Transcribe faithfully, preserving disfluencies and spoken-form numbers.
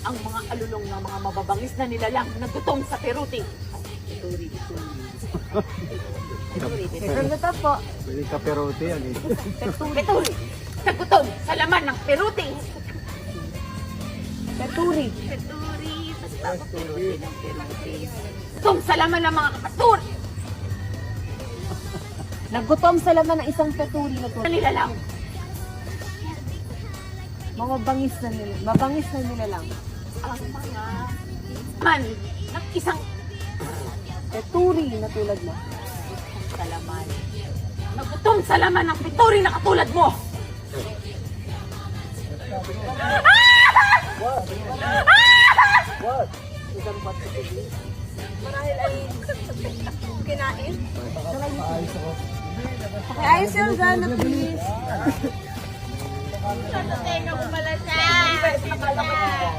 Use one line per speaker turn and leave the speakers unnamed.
ang mga alulong ng mga mababangis na nilalang na gutom sa peruti. Peturi, peturi.
Ito po.
Pwede ka perote yan eh.
Peturi. Sa gutom, sa laman ng peruti.
Peturi.
Peturi. Basta ako peruti ng peruti. Gutom sa laman ng mga kapaturi.
Nagutom sa laman ng isang peturi na
Na
tulad.
nilalang.
Mga bangis na nila. Mabangis na nila lang.
Ang mga man ng isang
Peturi na tulad mo.
sa laman. Nagutom sa laman ng peturi na katulad mo.
What?
Isang peturi. Marahil ay kinain.
Ayos ako.
Ayos yung gana, please.
Sa tenga ko pala siya.